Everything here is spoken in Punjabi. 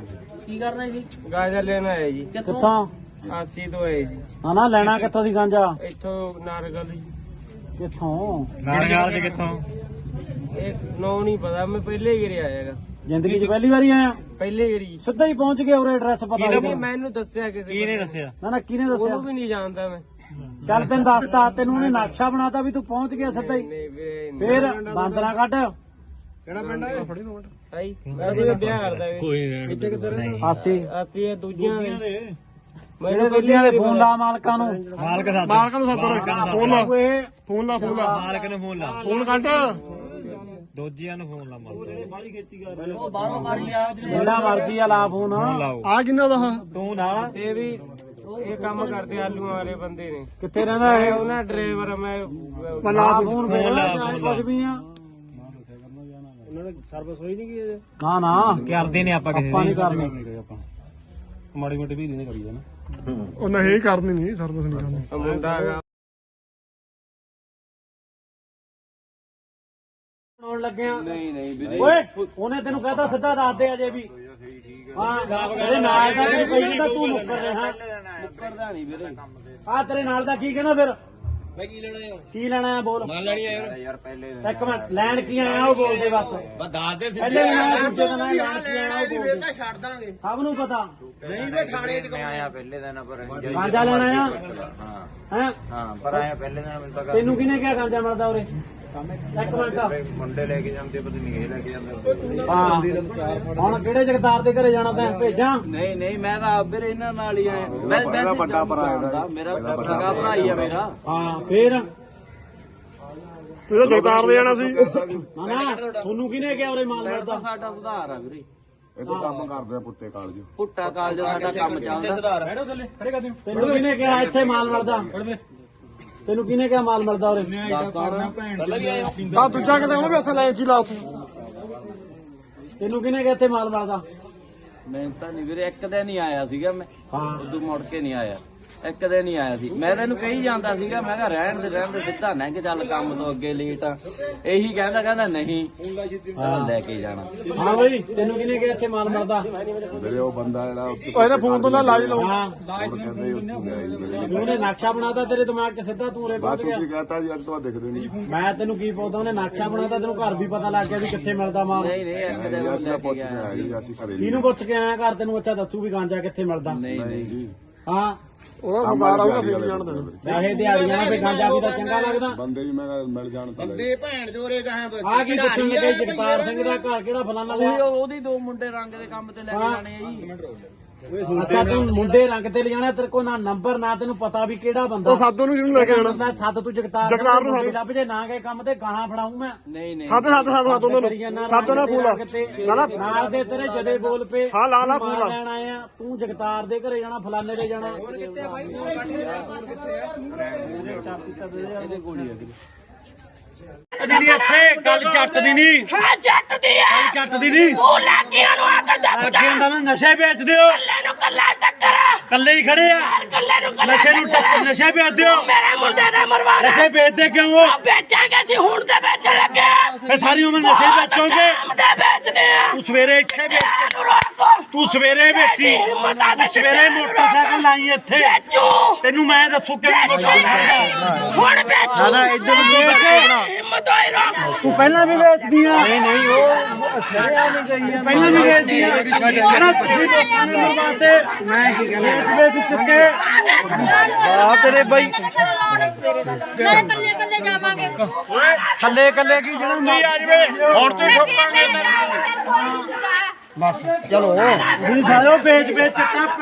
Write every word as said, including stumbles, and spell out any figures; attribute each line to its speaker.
Speaker 1: ਕੀ ਕਰਨਾ ਜੀ?
Speaker 2: ਗਾਜਾ ਲੈਣਾ ਹੈ ਜੀ।
Speaker 3: ਕਿੱਥੋਂ?
Speaker 2: ਆਸੀ ਤੋਂ ਹੈ ਜੀ।
Speaker 3: ਹਾਂ ਨਾ ਲੈਣਾ ਕਿੱਥੋਂ ਦੀ ਗਾਂਜਾ?
Speaker 2: ਇੱਥੋਂ ਨਾਰਗਲ ਜੀ।
Speaker 3: ਕਿੱਥੋਂ?
Speaker 4: ਨਾਰਗਲ ਚ ਕਿੱਥੋਂ?
Speaker 2: ਇਹ ਨੋ ਨਹੀਂ ਪਤਾ, ਮੈਂ ਪਹਿਲੇ ਹੀ ਗਿਰਿਆ ਹੈਗਾ।
Speaker 3: ਜ਼ਿੰਦਗੀ 'ਚ ਪਹਿਲੀ ਵਾਰੀ ਆਇਆ?
Speaker 2: ਪਹਿਲੇ ਗਿਰੀ।
Speaker 3: ਸਿੱਧਾ ਹੀ ਪਹੁੰਚ ਗਿਆ ਉਰੇ, ਐਡਰੈਸ ਪਤਾ
Speaker 2: ਨਹੀਂ ਮੈਨੂੰ ਦੱਸਿਆ ਕਿਸੇ
Speaker 4: ਕੀ ਨੇ ਦੱਸਿਆ?
Speaker 3: ਨਾ ਨਾ ਕਿਹਨੇ ਦੱਸਿਆ?
Speaker 2: ਉਹਨੂੰ ਵੀ ਨਹੀਂ ਜਾਣਦਾ ਮੈਂ।
Speaker 3: ਚੱਲ ਤੈਨੂੰ ਦੱਸਤਾ, ਤੈਨੂੰ ਉਹਨੇ ਨਕਸ਼ਾ ਬਣਾਤਾ ਵੀ ਤੂੰ ਪਹੁੰਚ ਗਿਆ ਸਿੱਧਾ ਹੀ।
Speaker 2: ਨਹੀਂ ਵੀਰੇ
Speaker 3: ਫੇਰ ਬਾਂਦਰਾ ਕੱਢ।
Speaker 5: ਕਿਹੜਾ ਪਿੰਡ ਹੈ?
Speaker 2: ਭਾਈ ਮੈਂ ਵੀ ਵਿਆਹ ਕਰਦਾ ਵੇ।
Speaker 4: ਕੋਈ ਨਹੀਂ
Speaker 5: ਇੱਥੇ ਕਿੱਧਰ ਹੈ?
Speaker 3: ਆਸੀ
Speaker 2: ਆਸੀ ਇਹ ਦੂਜੀਆਂ ਦੇ
Speaker 3: ਜਿਹੜੇ ਦੂਜਿਆਂ ਦੇ ਫੋਨ ਲਾ ਮਾਲਕਾਂ ਨੂੰ।
Speaker 4: ਮਾਲਕ ਦਾ
Speaker 5: ਮਾਲਕਾਂ ਨੂੰ ਸੱਦ ਫੋਨ ਲਾ
Speaker 3: ਓਏ
Speaker 5: ਫੋਨ ਲਾ ਫੋਨ ਲਾ
Speaker 4: ਮਾਲਕ ਨੂੰ ਫੋਨ ਲਾ,
Speaker 5: ਫੋਨ ਕੱਟ।
Speaker 4: ਦੋਜੀਆਂ ਨੂੰ ਫੋਨ ਲਾ ਮਾਲਕ
Speaker 1: ਉਹ ਬਾਹਰੋਂ ਮਾਰੀ ਆ
Speaker 3: ਜਿਹੜਾ ਮਰਦੀ ਆ ਲਾ ਫੋਨ।
Speaker 4: ਲਾਓ
Speaker 5: ਆ ਕਿੰਨਾ ਦਾ?
Speaker 4: ਤੂੰ ਨਾਲ
Speaker 2: ਇਹ ਵੀ ਇਹ ਕੰਮ ਕਰਦੇ ਆਲੂਆਂ ਵਾਲੇ ਬੰਦੇ ਨੇ।
Speaker 3: ਕਿੱਥੇ ਰਹਿੰਦਾ
Speaker 2: ਇਹ
Speaker 3: ਇਹ?
Speaker 2: ਉਹਨਾਂ ਡਰਾਈਵਰ ਮੈਂ
Speaker 3: ਲਾ ਫੋਨ ਫੇਰ ਕੁਝ ਵੀ ਆ।
Speaker 5: ਉਹਨਾਂ ਨੇ ਸਰਵਿਸ ਹੋਈ ਨਹੀਂ ਗਈ ਅਜੇ।
Speaker 3: ਨਾ ਨਾ
Speaker 4: ਕਰਦੇ ਨੇ ਆਪਾਂ ਕਿਸੇ
Speaker 3: ਆਪਾਂ ਨਹੀਂ
Speaker 4: ਦੀ
Speaker 3: ਕਰਨੀ।
Speaker 4: ਆਪਾਂ ਮਾੜੀ ਮੋਟੀ ਵੀ ਨਹੀਂ ਕਰੀ ਜਾਣਾ।
Speaker 5: ਉਹ ਨਹੀਂ ਕਰਨੀ ਨਹੀਂ, ਸਰਵਿਸ ਨਹੀਂ ਕਰਨੀ।
Speaker 2: ਉਹ ਮੁੰਡਾ ਹੈਗਾ
Speaker 3: ਬਣਾਉਣ ਲੱਗਿਆ।
Speaker 2: ਨਹੀਂ ਨਹੀਂ ਵੀਰੇ
Speaker 3: ਓਏ ਉਹਨੇ ਤੈਨੂੰ ਕਹਤਾ ਸਿੱਧਾ ਦੱਸ ਦੇ ਅਜੇ ਵੀ। ਹਾਂ ਤੇਰੇ ਨਾਲ ਦਾ ਤੈਨੂੰ ਕਹੀ ਜਾਂਦਾ, ਤੂੰ ਮੁੱਕਰ ਰਿਹਾ।
Speaker 2: ਮੁੱਕਰਦਾ ਨਹੀਂ ਵੀਰੇ।
Speaker 3: ਆ ਤੇਰੇ ਨਾਲ ਦਾ ਕੀ ਕਹਿੰਦਾ ਫਿਰ? ਮੈਂ ਕੀ ਲੈਣਾ ਹੈ? ਕੀ ਲੈਣਾ ਹੈ ਬੋਲ।
Speaker 2: ਨਾਲ ਲੈਣੀ ਆ ਯਾਰ ਪਹਿਲੇ
Speaker 3: ਇੱਕ ਮਿੰਟ, ਲੈਣ ਕੀ ਆਇਆ ਉਹ ਬੋਲਦੇ ਬਸ।
Speaker 2: ਬਸ ਦੱਸ ਦੇ
Speaker 3: ਪਹਿਲੇ ਲੈਣਾ, ਦੂਜੇ ਦਾ ਲੈਣ ਕੀ ਆਇਆ ਉਹ ਬੋਲਦੇ।
Speaker 2: ਛੱਡ ਦਾਂਗੇ।
Speaker 3: ਸਭ ਨੂੰ ਪਤਾ।
Speaker 2: ਨਹੀਂ ਵੇ ਥਾਣੇ ਚ ਮੈਂ ਆਇਆ ਪਹਿਲੇ ਦਿਨ ਪਰ
Speaker 3: ਗਾਂਜਾ ਲੈਣਾ ਆ?
Speaker 2: ਹਾਂ
Speaker 3: ਹੈ
Speaker 2: ਹਾਂ ਪਰ ਆਇਆ ਪਹਿਲੇ ਦਿਨ ਮੈਨੂੰ ਤਾਂ
Speaker 3: ਤੈਨੂੰ ਕਿਹਨੇ ਕਿਹਾ ਗਾਂਜਾ ਮਿਲਦਾ ਉਰੇ? ਇੱਕ ਮਿੰਟ।
Speaker 2: ਮੁੰਡੇ ਲੈ ਕੇ ਜਾਂਦੇ ਪਤਾ ਨਹੀਂ ਇਹ ਲੈ ਕੇ ਜਾਂਦੇ।
Speaker 3: ਹਾਂ ਹੁਣ ਕਿਹੜੇ ਜਗਤਾਰ ਦੇ ਘਰੇ ਜਾਣਾ ਤੈਂ? ਭੇਜਾਂ?
Speaker 1: ਨਹੀਂ ਨਹੀਂ ਮੈਂ ਤਾਂ ਵੀਰ ਇਹਨਾਂ ਨਾਲ ਹੀ ਆਇਆ। ਮੈਂ ਮੈਂ ਵੱਡਾ ਭਰਾ ਹੈ ਮੇਰਾ, ਸਗਾ ਭਰਾ ਹੀ ਆ ਮੇਰਾ।
Speaker 3: ਹਾਂ ਫੇਰ
Speaker 5: ਤੂੰ ਤਾਂ ਜਗਤਾਰ ਦੇ ਜਾਣਾ ਸੀ।
Speaker 3: ਨਾ ਨਾ ਤੁਹਾਨੂੰ ਕਿਹਨੇ ਕਿਹਾ ਉਰੇ ਮਾਲ
Speaker 1: ਤਾਂ
Speaker 3: ਮਿਲਦਾ?
Speaker 1: ਸਾਡਾ ਸੁਧਾਰ ਆ ਵੀਰੇ।
Speaker 6: ਇਹ ਤਾਂ ਕੰਮ ਕਰਦੇ ਆ ਪੁੱਤੇ ਕਾਲਜ।
Speaker 1: ਪੁੱਟਾ ਕਾਲਜ ਸਾਡਾ ਕੰਮ ਚੱਲਦਾ।
Speaker 3: ਤੈਨੂੰ ਕਿਹਨੇ ਕਿਹਾ ਇੱਥੇ ਮਾਲ ਮਿਲਦਾ? ਤੈਨੂੰ ਕਿਹਨੇ ਕਿਹਾ ਮਾਲ ਮਿਲਦਾ ਉਰੇ?
Speaker 5: ਆ ਦੂਜਾ ਕਿਤੇ ਉਹਨੂੰ ਵੀ ਉੱਥੇ ਲੈ ਕੀ ਲਾ ਉੱਥੇ।
Speaker 3: ਤੈਨੂੰ ਕਿਹਨੇ ਕਿਹਾ ਇੱਥੇ ਮਾਲ ਮਿਲਦਾ?
Speaker 1: ਮੈਂ ਤਾਂ ਨਹੀਂ ਵੀਰੇ, ਇੱਕ ਦਿਨ ਹੀ ਆਇਆ ਸੀਗਾ ਮੈਂ।
Speaker 3: ਹਾਂ
Speaker 1: ਉਦੋਂ ਮੁੜ ਕੇ ਨਹੀਂ ਆਇਆ, ਇੱਕ ਦਿਨ ਹੀ ਆਇਆ ਸੀ। ਮੈਂ ਤੈਨੂੰ ਕਹੀ ਜਾਂਦਾ ਸੀਗਾ, ਮੈਂ ਕਿਹਾ ਰਹਿਣ ਦੇ ਰਹਿਣ ਦੇ, ਸਿੱਧਾ ਨਾ ਕਿ ਚੱਲ ਕੰਮ ਤੋਂ ਅੱਗੇ ਲੇਟ ਆ। ਇਹੀ ਕਹਿੰਦਾ ਕਹਿੰਦਾ ਨਹੀਂ ਚੱਲ ਲੈ ਕੇ ਜਾਣਾ।
Speaker 3: ਹਾਂ ਬਈ ਤੈਨੂੰ ਕਿਹਨੇ ਕਿਹਾ ਇੱਥੇ ਮਾਲ ਮਿਲਦਾ?
Speaker 6: ਮੇਰੇ ਉਹ ਬੰਦਾ ਜਿਹੜਾ ਉੱਥੇ
Speaker 5: ਉਹ ਇਹਦੇ ਫੋਨ ਤੋਂ ਨਾ ਲਾਜ ਲਾਉ।
Speaker 3: ਹਾਂ
Speaker 6: ਕਹਿੰਦੇ ਉੱਥੇ ਗਿਆ ਜੀ।
Speaker 3: ਉਹਨੇ ਨਕਸ਼ਾ ਬਣਾਤਾ ਤੇਰੇ ਦਿਮਾਗ 'ਚ, ਸਿੱਧਾ ਤੂੰ ਉਰੇ ਪਹੁੰਚ ਗਿਆ।
Speaker 6: ਤੁਸੀਂ ਕਹਤਾ ਜੀ ਅੱਜ ਤੋਂ ਦਿਖਦੇ ਨਹੀਂ।
Speaker 3: ਮੈਂ ਤੈਨੂੰ ਕੀ ਪੁੱਛਦਾ? ਉਹਨੇ ਨਕਸ਼ਾ ਬਣਾਤਾ, ਤੈਨੂੰ ਘਰ ਵੀ ਪਤਾ ਲੱਗ ਗਿਆ ਵੀ ਕਿੱਥੇ ਮਿਲਦਾ ਮਾਲ।
Speaker 1: ਨਹੀਂ ਨਹੀਂ ਇੱਕ ਦਿਨ
Speaker 6: ਅਸੀਂ
Speaker 1: ਲੈ
Speaker 6: ਤਾਂ
Speaker 1: ਕੇ
Speaker 6: ਪੁੱਛ
Speaker 1: ਗਿਆ।
Speaker 6: ਕੇ ਆਏ ਜੀ, ਅਸੀਂ ਘਰੇ ਨਹੀਂ।
Speaker 3: ਇਹਨੂੰ ਪੁੱਛ ਕੇ ਆਇਆ ਘਰ, ਤੈਨੂੰ ਅੱਛਾ ਦੱਸੂ ਵੀ ਗਾਂਜਾ ਕਿੱਥੇ ਮਿਲਦਾ।
Speaker 1: ਨਹੀਂ ਨਹੀਂ
Speaker 6: ਜੀ
Speaker 3: ਹਾਂ
Speaker 5: ਉਹਦਾ ਸਰਦਾਰ ਆਊਗਾ ਫਿਰ ਜਾਣ ਦੇਣਾ।
Speaker 3: ਵੈਸੇ ਦਿਹਾੜੀਆਂ ਤੇ ਗਾਂਜਾ ਵੀ ਤਾਂ ਚੰਗਾ ਲੱਗਦਾ।
Speaker 6: ਬੰਦੇ ਵੀ ਮੈਂ ਕਿਹਾ ਮਿਲ ਜਾਣ ਤਾਂ ਲੈ।
Speaker 3: ਆ ਕੀ ਪੁੱਛਣ ਲੱਗੇ ਜਗਤਾਰ ਸਿੰਘ ਦਾ ਘਰ ਕਿਹੜਾ ਫਲਾਣਾ ਲਿਆ?
Speaker 1: ਉਹੀ ਉਹਦੀ ਦੋ ਮੁੰਡੇ ਰੰਗ ਦੇ ਕੰਮ ਤੇ ਲੈ ਕੇ ਜਾਣੇ ਆ ਜੀ।
Speaker 3: ਅੱਛਾ ਤੂੰ ਮੁੰਡੇ ਰੰਗ ਤੇ ਲਿਜਾਣਾ, ਤੇਰੇ ਕੋਲ ਨਾ ਨੰਬਰ ਨਾ ਤੈਨੂੰ ਪਤਾ ਵੀ ਕਿਹੜਾ ਬੰਦਾ।
Speaker 5: ਉਹ ਸਾਧੂ ਨੂੰ ਕਿਹਨੂੰ ਲੈ ਕੇ ਆਣਾ?
Speaker 3: ਮੈਂ ਸੱਦ ਤੂੰ ਜਗਤਾਰ
Speaker 5: ਜਗਤਾਰ ਨੂੰ
Speaker 3: ਮੁੰਡੇ
Speaker 5: ਸੱਦ।
Speaker 3: ਲੱਭ ਜੇ ਨਾ ਗਏ ਕੰਮ ਤੇ ਗਾਹਾਂ ਫੜਾਉਂ ਮੈਂ।
Speaker 1: ਨਹੀਂ ਨਹੀਂ
Speaker 5: ਸੱਦ ਸੱਦ ਸੱਦ ਸੱਦ ਉਹਨਾਂ ਨੂੰ ਸੱਦ ਉਹਨਾਂ ਫੋਨ ਲਾ। ਨਾ ਨਾ
Speaker 3: ਨਾਲ ਦੇ ਤੇਰੇ ਜਦੇ ਬੋਲ ਪਏ।
Speaker 5: ਹਾਂ, ਲਾ ਲਾ ਫੋਨ ਲਾ।
Speaker 3: ਲੈਣ ਆਏ ਆ, ਤੂੰ ਜਗਤਾਰ ਦੇ ਘਰੇ ਜਾਣਾ, ਫਲਾਣੇ ਦੇ ਜਾਣਾ।
Speaker 1: ਇਹਦੇ ਕੋਲ ਹੀ ਆ ਵੀਰੇ।
Speaker 3: ਜਿਹੜੀ ਇੱਥੇ ਗੱਲ ਜੱਟ ਦੀ ਨਹੀਂ।
Speaker 7: ਹਾਂ ਜੱਟ ਦੀ ਆ।
Speaker 3: ਗੱਲ ਜੱਟ ਦੀ ਨਹੀਂ।
Speaker 7: ਉਹ ਲਾਗੀਆਂ ਨੂੰ ਆ ਕੇ ਦੱਬ
Speaker 3: ਅੱਗੇ ਹੁੰਦਾ ਮੈਂ ਨਸ਼ੇ ਵੇਚਦੇ ਹੋ।
Speaker 7: ਕੱਲੇ ਨੂੰ ਕੱਲਾ ਟੱਕਰ
Speaker 3: ਕੱਲੇ ਹੀ ਖੜੇ ਆ।
Speaker 7: ਕੱਲੇ ਨੂੰ ਕੱਲਾ
Speaker 3: ਨਸ਼ੇ ਨੂੰ ਟੱਕਰ, ਨਸ਼ੇ ਵੇਚਦੇ ਹੋ।
Speaker 7: ਮੇਰੇ ਮੁੰਡੇ ਨੇ ਮਰਵਾਣਾ।
Speaker 3: ਨਸ਼ੇ ਵੇਚਦੇ ਕਿਉਂ ਹੋ?
Speaker 7: ਵੇਚਾਂਗੇ ਅਸੀਂ ਹੁਣ ਤੇ ਵੇਚਣ ਲੱਗੇ ਆ।
Speaker 3: ਫੇ ਸਾਰੀ ਉਮਰ ਨਸ਼ੇ ਹੀ ਵੇਚੋਗੇ।
Speaker 7: ਕੰਮ ਤੇ ਵੇਚਦੇ ਆ।
Speaker 3: ਤੂੰ ਸਵੇਰੇ ਇੱਥੇ ਵੇਚ,
Speaker 7: ਨੂੰ ਰੋਕੋ।
Speaker 3: ਤੂੰ ਸਵੇਰੇ ਵੇਚੀ, ਤੂੰ ਸਵੇਰੇ ਮੋਟਰਸਾਈਕਲ ਲਾਈ ਇੱਥੇ।
Speaker 7: ਵੇਚੋ।
Speaker 3: ਤੈਨੂੰ ਮੈਂ ਦੱਸੂ ਕਿਵੇਂ
Speaker 7: ਹੁਣ ਵੇਚੋ।
Speaker 3: ਨਾ ਇੱਧਰ ਵੇਚ।
Speaker 7: ਹਿੰਮਤ ਹੋਈ ਰੋਕ।
Speaker 3: ਤੂੰ ਪਹਿਲਾਂ ਵੀ ਵੇਚਦੀ ਆ। ਨਹੀਂ ਨਹੀਂ ਉਹ ਛੜਿਆ ਨਹੀਂ ਗਈ ਆ। ਪਹਿਲਾਂ ਵੀ ਵੇਚਦੀ ਆ। ਕਹਿੰਦਾ ਤੁਸੀਂ ਲੋਕਾਂ ਨੇ ਮਰਵਾਤੇ। ਮੈਂ ਕੀ ਕਹਿੰਦਾ ਵੇਚ ਚੁੱਕੇ ਆ ਤੇਰੇ ਬਾਈ।
Speaker 7: ਨਾਲੇ ਕੱਲੇ ਕੱਲੇ ਜਾਵਾਂਗੇ।
Speaker 3: ਥੱਲੇ ਕੱਲੇ ਕੀ ਜਣਾਉਂਦੀ ਆ ਜਵੇ ਹੁਣ ਤੇ ਠੋਕਾਂਗੇ। ਬਸ ਚਲੋ ਤੁਸੀਂ ਸਾਰਿਓ ਵੇਚ ਵੇਚ ਚੱਟਾ